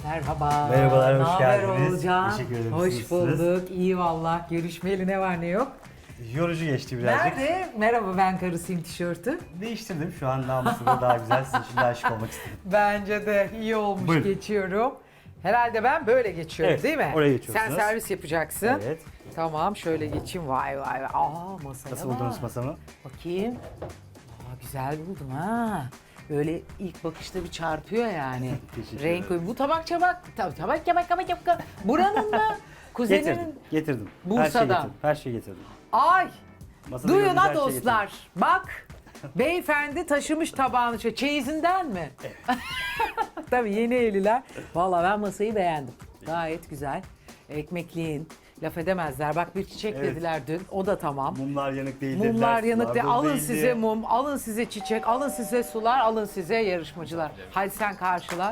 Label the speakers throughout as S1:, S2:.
S1: Merhaba.
S2: Merhabalar, hoş
S1: Naber
S2: geldiniz.
S1: Oğulcan?
S2: Teşekkür ederim,
S1: Hoş
S2: siz
S1: bulduk. İyi valla. Görüşmeyeli ne var ne yok.
S2: Yorucu geçti birazcık.
S1: Nerede? Merhaba ben karısıyım tişörtü.
S2: Değiştirdim. Şu an namusunda daha güzel. Sizin için de aşık olmak istedim.
S1: Bence de iyi olmuş
S2: Buyurun.
S1: geçiyorum. Herhalde ben böyle geçiyorum
S2: Evet,
S1: değil mi?
S2: oraya geçiyorsunuz.
S1: Sen servis yapacaksın.
S2: Evet.
S1: Tamam şöyle geçeyim. Vay vay vay. Aa masaya
S2: Nasıl
S1: bak.
S2: buldunuz masamı?
S1: Bakayım. Aa, güzel buldum ha. Böyle ilk bakışta bir çarpıyor yani.
S2: Teşekkür
S1: Renk
S2: ederim.
S1: uyumu. Bu tabak. Tabak. Buranın mı? Kuzeninin.
S2: Getirdim.
S1: Bursa'dan.
S2: Her şeyi getirdim.
S1: Ay.
S2: Masada
S1: Duyun
S2: gördüğünüz
S1: ha
S2: her şeyi
S1: dostlar. Bak. Beyefendi taşımış tabağını. Çeyizinden mi? Evet. Tabii yeni evliler. Vallahi ben masayı beğendim. Gayet güzel. Ekmekliğin. Laf edemezler. Bak bir çiçek
S2: Evet.
S1: dediler dün. O da tamam.
S2: Mumlar yanık değil dediler.
S1: Mumlar yanık
S2: sular
S1: değil.
S2: dolu
S1: Alın
S2: değildi.
S1: size mum, alın size çiçek, alın size sular, alın size yarışmacılar. Hadi sen karşıla.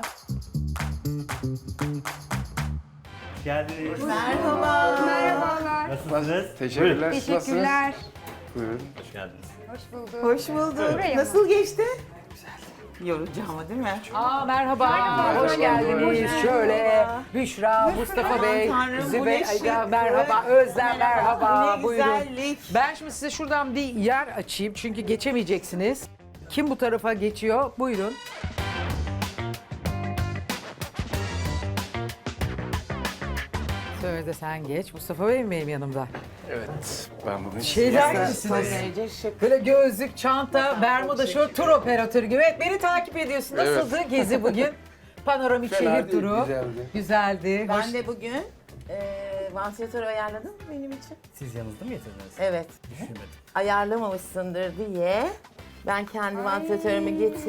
S2: Geldiniz.
S3: Merhabalar.
S2: Nasılsınız?
S4: Teşekkürler.
S2: Buyurun.
S3: Teşekkürler.
S4: Buyurun.
S2: Hoş geldiniz.
S3: Hoş bulduk.
S5: Hoş bulduk.
S3: Buraya mı?
S5: Nasıl geçti? Yorucu ama değil mi?
S1: Aa merhaba, hoş geldiniz. Şöyle Büşra, Mustafa Bey,
S5: Tanrım, bu
S1: Zübey,
S5: ne şıklık.
S1: merhaba, Özlem merhaba,
S5: Ne
S1: buyurun.
S5: güzellik.
S1: Ben şimdi size şuradan bir yer açayım çünkü geçemeyeceksiniz. Kim bu tarafa geçiyor? Buyurun. Söyle de sen geç. Mustafa Bey mi benim yanımda?
S4: Evet. Ben bugün
S1: Şeyler
S5: Son
S1: gibisiniz.
S5: derece şık.
S1: Böyle gözlük, çanta, bermuda, şort, tur operatörü gibi. Evet beni takip ediyorsun. Nasıldı gezi bugün? Panoramik
S4: Fena
S1: şehir
S4: değil,
S1: turu.
S4: güzeldi.
S1: Güzeldi. Hoş.
S5: Ben de bugün vantilatör ayarladım benim için.
S2: Siz yanınızda mı getirdiniz?
S5: Evet.
S2: Düşünmedim.
S5: Ayarlamamışsındır diye ben kendi vantilatörümü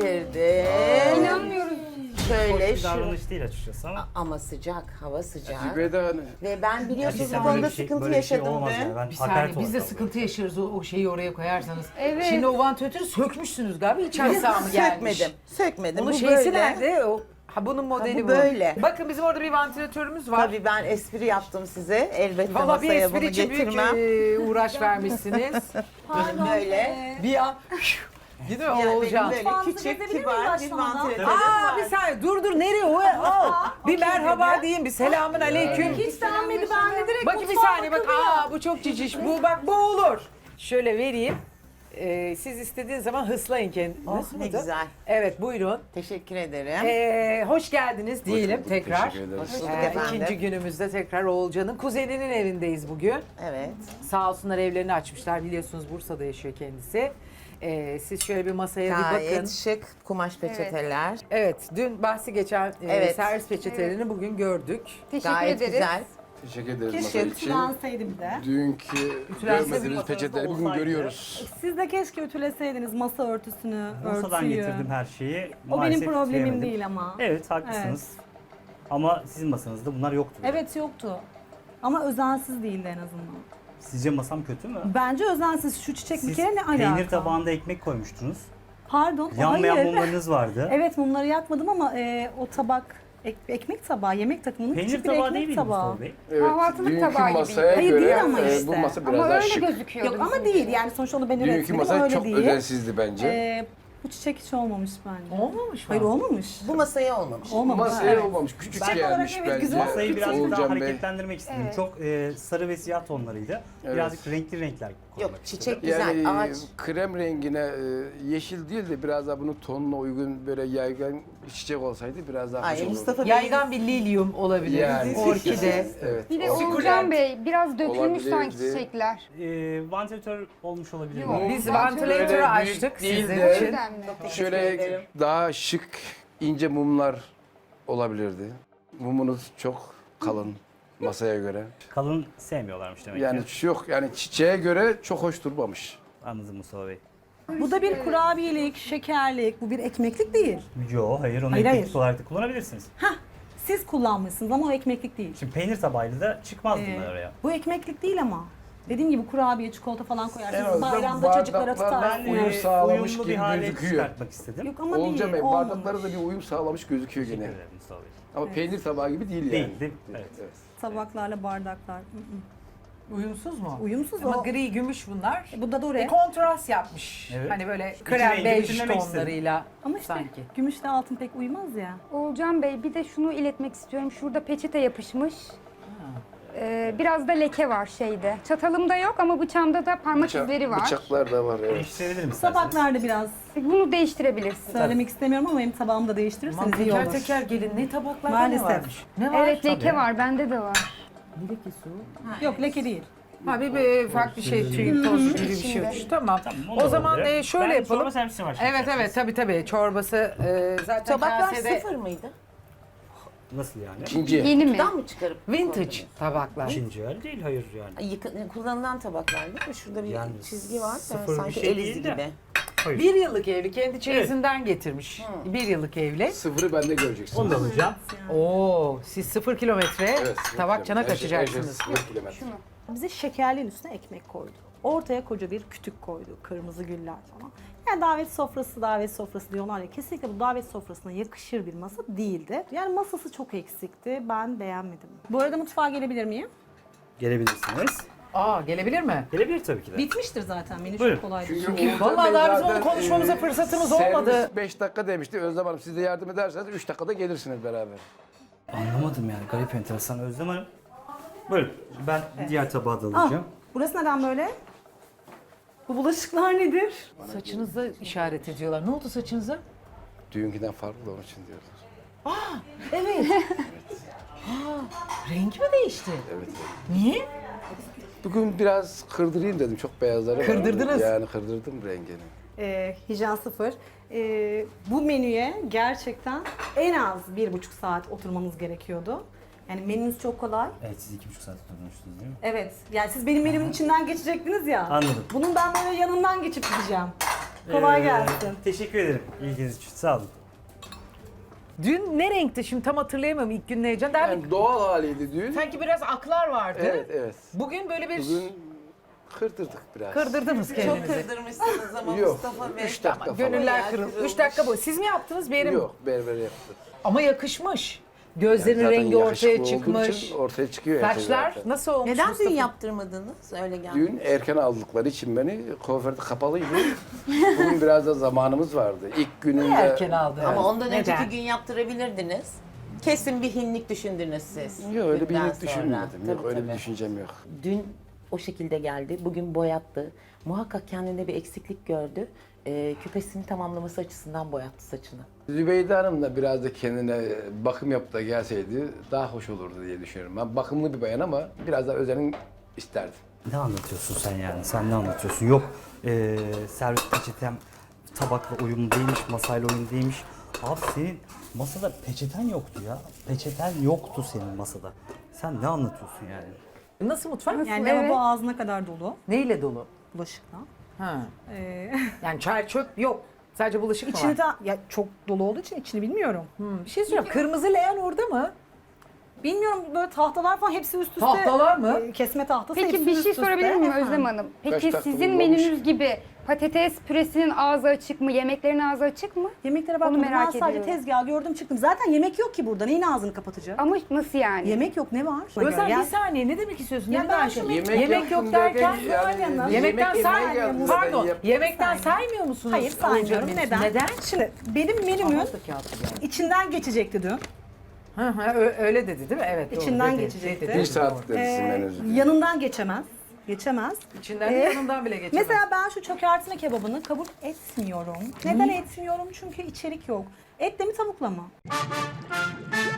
S5: getirdim.
S3: İnanmıyorum.
S2: Hoş
S5: Şöyle
S2: bir
S5: şu.
S2: davranış değil açıkçası ama.
S5: Ama sıcak, hava sıcak.
S4: Veda hani.
S5: Ve ben biliyorsunuz bu
S2: Gerçekten
S5: konuda
S2: böyle bir şey-
S5: sıkıntı
S2: böyle bir şey
S5: yaşadım
S2: olmaz
S5: dün.
S2: yani. Ben
S1: Bir
S2: hakaret
S1: saniye biz de
S2: olarak
S1: sıkıntı yaşıyoruz o şeyi oraya koyarsanız.
S3: Evet.
S1: Şimdi o vantilatörü sökmüşsünüz galiba. İç aksağı mı gelmiş?
S5: Sökmedim.
S1: Bunun
S5: Bu
S1: şeysi
S5: böyle.
S1: nerede? Ha bunun modeli
S5: bu
S1: bu.
S5: böyle.
S1: Bakın bizim orada bir vantilatörümüz var.
S5: Tabii ben espri yaptım size. Elbette
S1: Valla bir
S5: masaya
S1: espri
S5: bunu
S1: için büyük
S5: getirmem.
S1: uğraş vermişsiniz.
S5: Böyle.
S1: Bir an değil mi
S5: Yani benim
S1: Oğulcan?
S5: böyle küçük, kibar bir vantilatörüm
S1: Aa
S5: var.
S1: bir saniye dur nereye o? Bir merhaba diyeyim bir selamün aleyküm.
S3: Hiç denmedi ben de direkt
S1: Bakın bir saniye bak bu çok ciciş bu bak bu olur. Şöyle vereyim. Siz istediğiniz zaman hıslayın kendinizi.
S5: Oh, ne güzel.
S1: Evet buyurun.
S5: Teşekkür ederim.
S1: Hoş geldiniz diyelim
S4: bulduk,
S1: tekrar.
S4: teşekkür ederiz.
S5: Hoş bulduk efendim.
S1: İkinci günümüzde tekrar Oğulcan'ın kuzeninin evindeyiz bugün.
S5: Evet.
S1: Sağ olsunlar evlerini açmışlar. Biliyorsunuz Bursa'da yaşıyor kendisi. Siz şöyle bir masaya bir bakın.
S5: Gayet şık kumaş peçeteler.
S1: Evet, dün bahsi geçen
S5: Evet.
S1: servis peçetelerini bugün gördük.
S3: Teşekkür
S5: Gayet
S3: ederiz.
S5: güzel.
S4: Teşekkür ederiz
S5: Keşke
S4: masa için.
S6: Ütülenseydi bir de.
S4: Dünkü
S1: Ütülenseydi
S4: görmediğimiz
S2: masanızda
S4: peçeteleri bugün
S2: olsaydı.
S4: görüyoruz.
S6: Siz de keşke ütüleseydiniz masa örtüsünü,
S2: Bursa'dan
S6: örtüyü.
S2: getirdim her şeyi.
S6: O
S2: Maalesef
S6: benim problemim
S2: bitiremedim.
S6: değil ama.
S2: Evet haklısınız. Ama sizin masanızda bunlar yoktu.
S6: Evet yoktu. Ama özensiz değildi en azından.
S2: Sizce masam kötü mü?
S6: Bence özensiz. Şu çiçek bir
S2: Siz
S6: kere ne alaka?
S2: peynir tabağında ekmek koymuştunuz.
S6: Pardon.
S2: Yanmayan
S6: hayır.
S2: mumlarınız vardı.
S6: Evet mumları yakmadım ama o tabak ekmek tabağı, yemek takımının
S2: Peynir
S6: küçük bir
S2: tabağı
S6: ekmek
S2: değil miydi
S6: tabağı.
S2: Mustafa Bey?
S4: Evet,
S3: Kahvaltılık
S4: dünkü
S3: tabağı gibi.
S4: masaya
S6: Hayır,
S4: göre
S6: değil ama
S4: bu
S6: işte.
S4: masa biraz
S3: Ama
S4: daha
S3: öyle
S4: şık.
S3: gözüküyordu.
S6: Yok ama
S3: bizimki.
S6: değil yani sonuçta onu ben
S4: Dünkü
S6: üretmedim
S4: masa
S6: öyle
S4: çok
S6: değil.
S4: özensizdi bence.
S6: Bu çiçek hiç olmamış bence.
S1: Olmamış mı?
S6: Hayır olmamış.
S5: Bu masaya olmamış.
S6: Olmamış.
S4: Masaya
S6: evet.
S4: olmamış. Küçük
S6: Çiçek
S4: gelmiş
S6: olarak evet,
S4: bence.
S6: güzel.
S2: Masayı birazcık daha
S4: Oğulcan Bey.
S2: hareketlendirmek istedim.
S3: Evet.
S2: Çok sarı ve siyah tonlarıydı.
S4: Evet.
S2: Birazcık renkli renkler koymak
S5: Yok
S2: istedim.
S5: çiçek güzel.
S4: Yani
S5: Ağaç.
S4: krem rengine yeşil değil de biraz daha bunun tonuna uygun böyle yaygın bir çiçek olsaydı biraz daha hoş
S5: Ay
S4: olurdu.
S5: Mustafa Bey.
S1: Yaygan bir lilyum olabilir.
S4: Yani.
S1: Orkide.
S4: Evet.
S3: Bir de
S1: Sukulent.
S3: Oğulcan Bey biraz dökülmüş
S4: Olabilirdi.
S3: sanki çiçekler.
S2: Vantilatör olmuş olabilir
S3: Yok.
S2: mi?
S1: Biz
S3: Öyle
S1: vantilatörü
S4: büyük
S1: açtık
S4: değil
S1: sizin
S4: de-
S1: için.
S3: Yüzden mi?
S4: Şöyle
S5: ederim.
S4: daha şık ince mumlar olabilirdi. Mumunuz çok kalın masaya göre.
S2: Kalın sevmiyorlarmış demek
S4: Yani
S2: ki.
S4: yok yani çiçeğe göre çok hoş durmamış.
S2: Anladım Mustafa Bey.
S6: Bu da bir kurabiyelik, şekerlik, bu bir ekmeklik değil.
S2: Yo hayır onu
S6: Hayır,
S2: ekmek
S6: hayır.
S2: olarak da kullanabilirsiniz.
S6: Siz kullanmışsınız ama o ekmeklik değil.
S2: Şimdi peynir tabağıyla da çıkmaz bunlar oraya.
S6: Bu ekmeklik değil ama. Dediğim gibi kurabiye, çikolata falan
S4: En
S6: koyarsınız.
S4: azından
S6: Bayramda çocuklara
S4: bardaklardan
S6: tutarsınız.
S4: uyum sağlamış
S2: uyumlu
S4: gibi
S2: bir hale
S4: gözüküyor.
S2: çıkartmak istedim.
S6: Yok ama
S4: Olca
S6: değil,
S4: Bey
S6: olmamış.
S4: bardakları da bir uyum sağlamış gözüküyor
S2: Teşekkür
S4: gene.
S2: ederim Mustafa Bey.
S4: Ama peynir tabağı gibi değil yani.
S2: Değil, değil mi? Evet.
S6: Tabaklarla bardaklar.
S1: Uyumsuz mu?
S6: Uyumsuz
S1: Ama
S6: o.
S1: gri, gümüş bunlar.
S6: Bu da dore.
S1: Kontrast yapmış.
S2: Evet.
S1: Hani böyle
S2: rengi
S1: krem bej
S2: bütünlemek
S1: tonlarıyla
S6: Ama işte
S1: sanki.
S6: gümüşle altın pek uymaz ya.
S3: Oğulcan Bey bir de şunu iletmek istiyorum. Şurada peçete yapışmış. Biraz da leke var şeyde. Çatalımda yok ama bıçağımda da parmak izleri var.
S4: Bıçaklar da var evet.
S2: Değiştirebilir isterseniz.
S6: Tabaklarda biraz
S3: Bunu değiştirebilirsin.
S6: söylemek istemiyorum ama benim tabağımı da değiştirirseniz
S1: Aman
S6: iyi
S1: teker
S6: olur.
S1: teker gelin ne tabaklarda
S6: Maalesef.
S1: ne varmış? Ne var?
S3: Evet leke
S1: Tabii.
S3: var. Bende de var.
S1: Ne lekesi o?
S6: Yok leke değil.
S1: Ha bir farklı şey, tüy, toz gibi bir şey
S3: İçinde.
S1: olmuş. Tamam.
S2: onu da
S1: O zaman
S2: alabilirim.
S1: şöyle
S2: Ben
S1: yapalım.
S2: çorba servisi var şimdi
S1: Evet
S2: isterseniz.
S1: tabii çorbası zaten
S5: Tabaklar
S1: kasede
S5: sıfır mıydı?
S2: Nasıl yani?
S4: İkinci.
S3: Yeni mi?
S5: Kutudan mı çıkarıp
S1: vintage tabaklar.
S2: İkinci el değil, hayır yani.
S5: Kullanılan tabaklar değil mi? Şurada bir
S2: Yani
S5: çizgi var.
S2: sıfır bir
S5: Sanki
S2: şey
S5: el izi
S2: değil de.
S5: gibi.
S2: Hayır.
S1: Bir yıllık evli kendi çeyizinden getirmiş. Bir yıllık evli.
S4: Sıfırı bende göreceksiniz.
S2: Onu da alacağım.
S1: Oo, siz 0 kilometre
S4: Evet, sıfır
S1: tabakçana
S4: kilometre.
S1: kaçacaksınız.
S4: Her şey sıfır kilometre.
S6: Bize şekerliğin üstüne ekmek koydu. Ortaya koca bir kütük koydu. Kırmızı güller falan. Yani davet sofrası diyorlar ya. Kesinlikle bu davet sofrasına yakışır bir masa değildi. Yani masası çok eksikti. Ben beğenmedim. Bu arada mutfağa gelebilir miyim?
S2: Gelebilirsiniz.
S1: Aa, gelebilir mi?
S2: Gelebilir tabii ki de.
S6: Bitmiştir zaten. Menü
S2: Buyurun.
S6: çok kolaydı.
S1: Vallahi daha bizim onu konuşmamıza fırsatımız olmadı.
S4: 5 dakika demişti. Özlem Hanım siz de yardım ederseniz 3 dakikada gelirsiniz beraber.
S2: Anlamadım yani, garip enteresan Özlem Hanım. Buyurun, ben diğer tabağı da
S6: Ah,
S2: alacağım.
S6: burası neden böyle? Bu bulaşıklar nedir?
S1: Saçınıza işaret ediyorlar. Ne oldu saçınıza?
S4: Düğünküden farklı da onun için diyorlar.
S1: Evet. Rengi mi değişti?
S4: Evet. evet.
S1: Niye?
S4: Bugün biraz kırdırayım dedim. Çok beyazları var.
S1: Kırdırdınız.
S4: Yani kırdırdım rengini.
S6: Hijyen sıfır. Bu menüye gerçekten en az 1,5 saat oturmamız gerekiyordu. Yani menünüz çok kolay.
S2: Evet, siz 2,5 saat oturmuştunuz değil mi?
S6: Evet. Yani siz benim menümün içinden geçecektiniz ya.
S2: Anladım.
S6: Bunun ben böyle yanından geçip gideceğim. Kolay gelsin.
S2: Teşekkür ederim ilginiz için, sağ olun.
S1: Dün ne renkti şimdi tam hatırlayamam ilk gün ne heyecan. Daha
S4: Yani doğal haliydi düğün.
S1: sanki biraz aklar vardı.
S4: Evet evet.
S1: Bugün böyle bir
S4: Bugün kırdırdık biraz.
S1: kırdırdınız
S5: Çok
S1: kendinizi.
S5: kırdırmışsınız ama
S4: Yok.
S5: Mustafa Bey.
S4: 3 dakika falan.
S1: Gönüller kırıldı. 3 dakika bu. Siz mi yaptınız bir yerim?
S4: Yok berber yaptı.
S1: Ama yakışmış. Gözlerin
S4: Zaten
S1: rengi ortaya
S4: yakışıklı olduğu
S1: çıkmış.
S4: için ortaya çıkıyor her şey
S1: Saçlar
S4: zaten.
S1: nasıl olmuş
S5: Neden
S1: Mustafa?
S5: düğün yaptırmadınız? Öyle geldi.
S4: Düğün erken aldıkları için beni kuaförde kapalıydı. Bugün biraz da zamanımız vardı. İlk gününde...
S1: Niye erken aldı?
S5: Ama ondan
S1: Neden?
S5: önceki gün yaptırabilirdiniz. Kesin bir hinlik düşündünüz siz.
S4: Yok öyle bir
S5: Düğünden
S4: iyilik
S5: sonra.
S4: düşünmedim. Yok
S5: Tabii,
S4: öyle
S5: tabii.
S4: bir düşüncem yok.
S5: Dün o şekilde geldi, bugün boyattı. Muhakkak kendinde bir eksiklik gördü. Küpesini tamamlaması açısından boyattı saçını.
S4: Zübeyde Hanım da biraz da kendine bakım yapıp da gelseydi daha hoş olurdu diye düşünüyorum. Ben bakımlı bir bayan ama biraz daha özenin isterdim.
S2: Ne anlatıyorsun sen yani? Sen ne anlatıyorsun? Yok, servis peçetem tabakla uyumlu değilmiş, masayla uyumlu değilmiş. Abi senin masada peçeten yoktu ya. Peçeten yoktu senin masada. Sen ne anlatıyorsun yani?
S1: Nasıl mutfak?
S6: Yani
S3: Evet.
S6: lavabo ağzına kadar dolu
S1: Neyle dolu?
S6: bulaşıkla.
S1: Ha.
S6: Ee,
S1: Yani çay çöp yok. Sadece bulaşık mı
S6: içini
S1: var?
S6: de ya çok dolu olduğu için içini bilmiyorum.
S1: Bir şey söyleyeyim. Kırmızı leğen orada mı?
S6: Bilmiyorum böyle tahtalar falan hepsi üst üste.
S1: Tahtalar mı?
S6: Kesme tahtası
S3: Peki
S6: hepsi
S3: bir
S6: üst
S3: şey
S6: üste.
S3: sorabilir miyim
S6: Efendim?
S3: Özlem Hanım?
S4: Kaç
S3: Peki
S4: dakika
S3: sizin
S4: bulunmuş?
S3: menünüz gibi patates püresinin ağzı açık mı? Yemeklerin ağzı açık mı?
S6: Yemeklere
S3: Onu
S6: bakmadım.
S3: merak
S6: Ben sadece
S3: ediyorum.
S6: tezgahı gördüm çıktım. Zaten yemek yok ki burada. Neyin ağzını kapatacak?
S3: Ama nasıl yani?
S6: Yemek yok ne var?
S1: Özlem
S6: Ya-
S1: bir saniye ne demek istiyorsun?
S6: Ya
S1: Ne
S6: ben
S1: demek?
S6: şunu-
S1: Yemek yok derken
S6: Yemekten
S1: yemekten
S4: yemek
S1: saymıyor
S4: yemeye
S1: musunuz?
S4: geldim.
S1: Pardon.
S4: Yap-
S1: Yemekten saymıyor musunuz?
S6: Hayır saymıyorum.
S1: Olacak
S6: Neden?
S1: Neden?
S6: Şimdi benim menümün
S1: Aha, da kağıt geldi.
S6: içinden geçecekti dün.
S1: Hı hı, öyle dedi değil mi? Evet doğru.
S6: İçinden
S1: dedi,
S6: geçecekti.
S1: dedi,
S4: Bir saat
S1: doğru.
S4: dedi sizin menünüzü.
S6: Yanından geçemez. Geçemez.
S1: İçinden de yanından bile geçemez.
S6: Mesela ben şu çökertme kebabını kabul etmiyorum. Neden etmiyorum? Çünkü içerik yok. Etle mi tavukla mı?